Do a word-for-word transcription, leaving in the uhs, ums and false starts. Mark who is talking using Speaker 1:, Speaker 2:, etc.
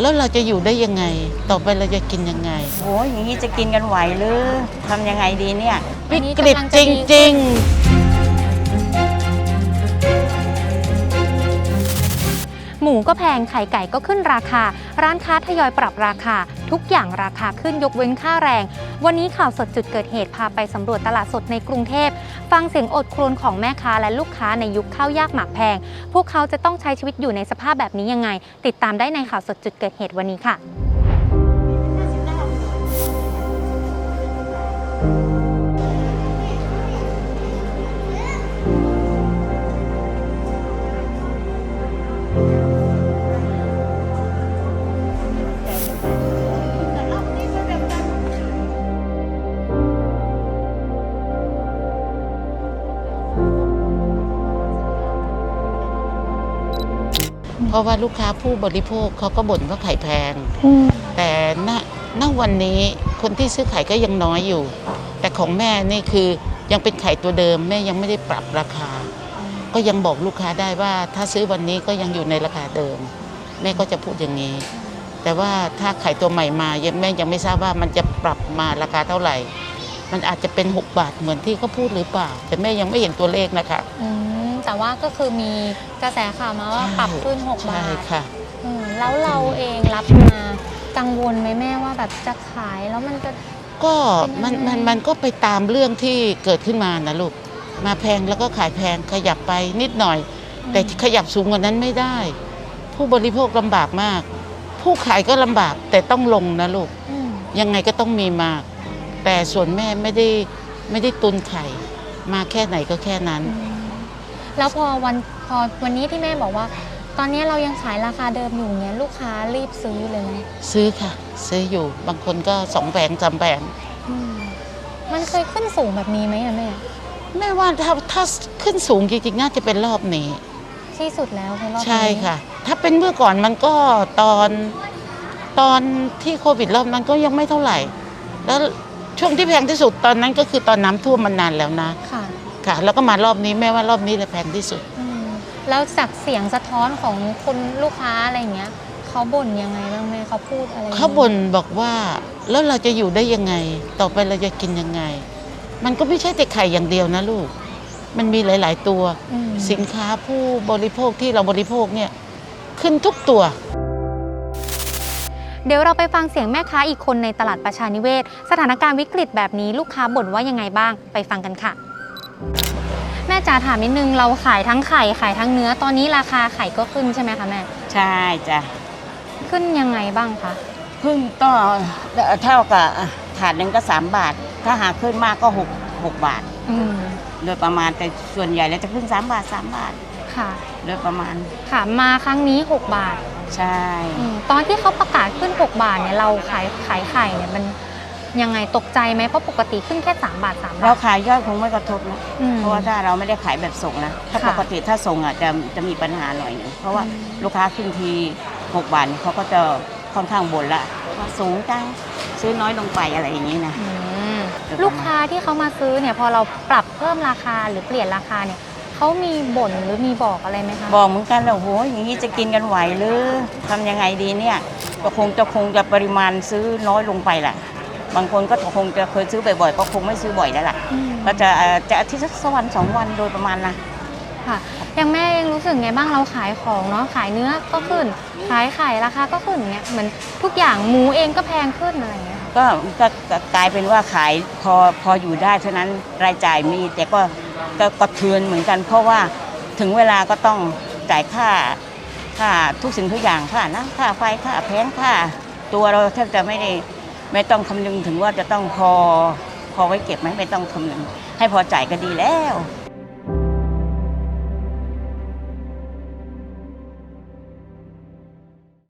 Speaker 1: แล้วเราจะอยู่ได้ยังไงต่อไปเราจะกินยังไง
Speaker 2: โอ้ยอย่างนี้จะกินกันไหวหรือทำยังไงดีเนี่ย
Speaker 1: วิกฤตจริงๆ
Speaker 3: หมูก็แพงไข่ไก่ก็ขึ้นราคาร้านค้าทยอยปรับราคาทุกอย่างราคาขึ้นยกเว้นค่าแรงวันนี้ข่าวสดจุดเกิดเหตุพาไปสำรวจตลาดสดในกรุงเทพฟังเสียงอดครวญของแม่ค้าและลูกค้าในยุคข้าวยากหมากแพงพวกเขาจะต้องใช้ชีวิตอยู่ในสภาพแบบนี้ยังไงติดตามได้ในข่าวสดจุดเกิดเหตุวันนี้ค่ะ
Speaker 1: เพราะว่าลูกค้าผู้บริโภคเขาก็บ่นว่าไข่แพงแต่ณณวันนี้คนที่ซื้อไข่ก็ยังน้อยอยู่แต่ของแม่นี่คือยังเป็นไข่ตัวเดิมแม่ยังไม่ได้ปรับราคาก็ยังบอกลูกค้าได้ว่าถ้าซื้อวันนี้ก็ยังอยู่ในราคาเดิมแม่ก็จะพูดอย่างนี้แต่ว่าถ้าไข่ตัวใหม่มาแม่ยังไม่ทราบว่ามันจะปรับมาราคาเท่าไหร่มันอาจจะเป็นหกบาทเหมือนที่เขาพูดหรือเปล่าแต่แม่ยังไม่เห็นตัวเลขนะคะ
Speaker 3: แต่ว่าก็คือมีกระแสข่าวมาว่าปรับขึ้นหกบาท
Speaker 1: ใช่ค่ะ
Speaker 3: แล้วเราเองรับมากังวลไหมแม่ว่าแบบจะขายแล้วมันจะ
Speaker 1: ก็มันมันมันก็ไปตามเรื่องที่เกิดขึ้นมานะลูกมาแพงแล้วก็ขายแพงขยับไปนิดหน่อยแต่ขยับสูงกว่านั้นไม่ได้ผู้บริโภคลำบากมากผู้ขายก็ลำบากแต่ต้องลงนะลูกยังไงก็ต้องมีมาแต่ส่วนแม่ไม่ได้ไม่ได้ตุนไข่มาแค่ไหนก็แค่นั้น
Speaker 3: แล้วพอวันพอวันนี้ที่แม่บอกว่าตอนนี้เรายังขายราคาเดิมอยู่เนี้ยลูกค้ารีบซื้อเลยไหม
Speaker 1: ซื้อค่ะซื้ออยู่บางคนก็สองแผงสามแผง
Speaker 3: มันเคยขึ้นสูงแบบนี้ไหมอะแม่
Speaker 1: แม่ว่าถ้าถ้าขึ้นสูงจริงๆน่าจะเป็นรอบนี้
Speaker 3: ที่สุดแล้วคือรอบนี้
Speaker 1: ใช่ค่ะถ้าเป็นเมื่อก่อนมันก็ตอนตอนที่โควิดรอบนั้นก็ยังไม่เท่าไหร่แล้วช่วงที่แพงที่สุดตอนนั้นก็คือตอนน้ำท่วมมันนานแล้วนะค่ะค่ะแล้วก็มารอบนี้แม่ว่ารอบนี้เลยแพงที่สุด
Speaker 3: แล้วจากเสียงสะท้อนของคนลูกค้าอะไรเงี้ยเขาบ่นยังไงบ้างแม่เขาพูดอะไร
Speaker 1: เขาบ่นบอกว่าแล้วเราจะอยู่ได้ยังไงต่อไปเราจะกินยังไงมันก็ไม่ใช่แต่ไข่อย่างเดียวนะลูกมันมีหลายๆตัวสินค้าผู้บริโภคที่เราบริโภคเนี่ยขึ้นทุกตัว
Speaker 3: เดี๋ยวเราไปฟังเสียงแม่ค้าอีกคนในตลาดประชานิเวศสถานการณ์วิกฤตแบบนี้ลูกค้าบ่นว่ายังไงบ้างไปฟังกันค่ะแม่จ๋าถามนิดนึงเราขายทั้งไข่ขายทั้งเนื้อตอนนี้ราคาไข่ก็ขึ้นใช่ไหมคะแม่
Speaker 2: ใช่จ้ะ
Speaker 3: ขึ้นยังไงบ้างคะ
Speaker 2: ขึ้นก็เท่ากับถาดหนึ่งก็สามบาทถ้าหากขึ้นมากก็หกหกบาทโดยประมาณแต่ส่วนใหญ่แล้วจะขึ้นสามบาทสามบาทค่ะโดยประมาณ
Speaker 3: ค่ะมาครั้งนี้หกบาท
Speaker 2: ใช่
Speaker 3: ตอนที่เขาประกาศขึ้นหกบาทเนี่ยเราขายขายไข่เนี่ยมันยังไงตกใจไหมเพราะปกติขึ้นแค่สามบาทสามบาท
Speaker 2: เราขายยอดคงไม่กระทบนะเพราะว่าถ้าเราไม่ได้ขายแบบส่งนะถ้าปกติถ้าส่งอ่ะจะจะมีปัญหาหน่อยนึงเพราะว่าลูกค้าขึ้นทีหกบาทเขาก็จะค่อนข้างบ่นละว่าสูงจังซื้อน้อยลงไปอะไรอย่างนี้นะ
Speaker 3: ลูกค้าที่เขามาซื้อเนี่ยพอเราปรับเพิ่มราคาหรือเปลี่ยนราคาเนี่ยเขามีบ่นหรือมีบอกอะไรไหมคะ
Speaker 2: บอกเหมือนกันแล้วโหอย่างนี้จะกินกันไหวหรือทำยังไงดีเนี่ยก็คงจะคงจะปริมาณซื้อน้อยลงไปแหละบางคนก็คงจะเคยซื้อบ่อยๆก็คงไม่ซื้อบ่อยแล้วล่ะก็จะจะอาทิตย์สักวันสองวันโดยประมาณนะ
Speaker 3: ค่ะอย่างแม่ยังรู้สึกไงบ้างเราขายของเนาะขายเนื้อก็ขึ้นขายไข่ราคาก็ขึ้นเงี้ยเหมือนทุกอย่างหมูเองก็แพงขึ้นอะไรเงี้ย
Speaker 2: ก็ก็กลายเป็นว่าขายพอพออยู่ได้เท่านั้นรายจ่ายมีแต่ก็ก็กระเทือนเหมือนกันเพราะว่าถึงเวลาก็ต้องจ่ายค่าค่าทุกสิ่งทุกอย่างค่านะค่าไฟค่าแพงค่าตัวเราแทบจะไม่ได้ไม่ต้องคำนึงถึงว่าจะต้องพอพอไว้เก็บไหมไม่ต้องคำนึงให้พอจ่ายก็ดีแล้ว